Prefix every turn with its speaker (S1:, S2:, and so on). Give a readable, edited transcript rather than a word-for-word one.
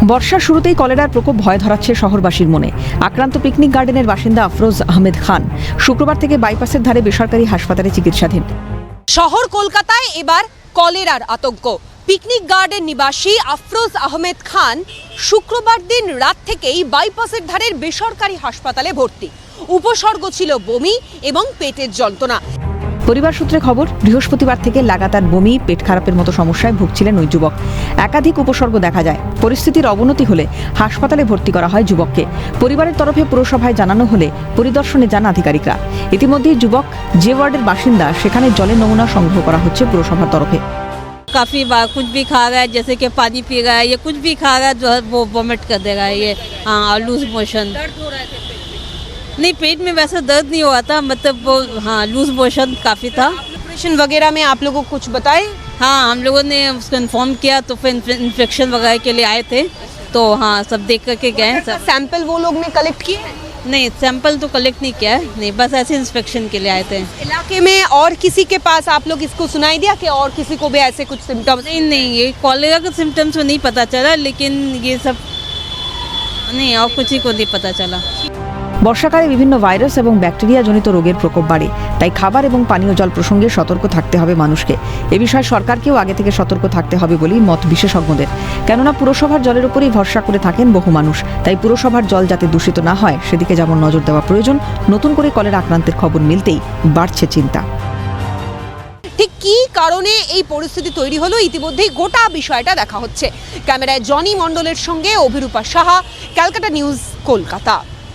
S1: বর্ষার শুরুতেই কলেরার প্রকোপ ভয় ধরাচ্ছে শহরবাসীর মনে। আক্রান্ত পিকনিক গার্ডেনের বাসিন্দা আফরোজ আহমেদ খান শুক্রবার থেকে বাইপাসের ধারে বেসরকারি হাসপাতালে চিকিৎসাধীন।
S2: শহর কলকাতায় এবার কলেরার আতঙ্ক। পিকনিক গার্ডেন নিবাসী আফরোজ আহমেদ খান শুক্রবার দিন রাত থেকেই বাইপাসের ধারের বেসরকারি হাসপাতালে ভর্তি। উপসর্গ ছিল বমি এবং পেটের যন্ত্রণা।
S1: পরিবার সূত্রে খবর, বৃহস্পতিবার থেকে লাগাতার বমি, পেট খারাপের মতো সমস্যায় ভুগছিলেন ওই যুবক। একাধিক উপসর্গ দেখা যায়। পরিস্থিতির অবনতি হলে হাসপাতালে ভর্তি করা হয় যুবককে। পরিবারের তরফে পুরসভায় জানানো হলে পরিদর্শনে যান আধিকারিকরা। ইতিমধ্যেই যুবক যে ওয়ার্ডের বাসিন্দা সেখানে জলের নমুনা সংগ্রহ করা হচ্ছে পুরসভার তরফে।
S3: काफ़ी बार कुछ भी खा रहा है, जैसे कि पानी पी रहा है या कुछ भी खा रहा है जो है वो वॉमिट कर देगा। ये हाँ, लूज मोशन।
S2: दर्द हो रहा है पेट में?
S3: नहीं, पेट में वैसा दर्द नहीं हुआ था, मतलब वो हाँ लूज मोशन काफ़ी था।
S2: ऑपरेशन वगैरह में आप लोगों को कुछ बताए?
S3: हाँ, हम लोगों ने उसको इन्फॉर्म किया तो फिर इन्फेक्शन वगैरह के लिए आए थे, तो हाँ सब देख करके गए सब।
S2: सैंपल वो लोग ने कलेक्ट किए?
S3: नहीं, सैंपल तो कलेक्ट नहीं किया है, नहीं, बस ऐसे इंस्पेक्शन के लिए आए थे।
S2: इलाके में और किसी के पास आप लोग इसको सुनाई दिया कि और किसी को भी ऐसे कुछ सिम्टम्स?
S3: नहीं, ये कॉलेरा के सिम्टम्स में नहीं पता चला, लेकिन ये सब नहीं, और कुछ ही को नहीं पता चला।
S1: বর্ষাকালে বিভিন্ন ভাইরাস এবং ব্যাকটেরিয়া জনিত রোগের প্রকোপ বাড়ে। তাই খাবার এবং পানীয় জল প্রসঙ্গে সতর্ক থাকতে হবে মানুষকে। এ বিষয়ে সরকারকেও আগে থেকে সতর্ক থাকতে হবে বলেই মত বিশেষজ্ঞদের। কেননা পুরসভার জলের উপরেই ভরসা করে থাকেন বহু মানুষ। তাই পুরসভার জল যাতে দূষিত না হয় সেদিকে যেমন নজর দেওয়া প্রয়োজন, নতুন করে কলেরা আক্রান্তের খবর মিলতেই বাড়ছে চিন্তা।
S2: ঠিক কী কারণে এই পরিস্থিতি তৈরি হলো ইতিমধ্যেই গোটা বিষয়টা দেখা হচ্ছে। ক্যামেরায় জনি মণ্ডলের সঙ্গে অভিরূপা সাহা, ক্যালকাটা নিউজ, কলকাতা।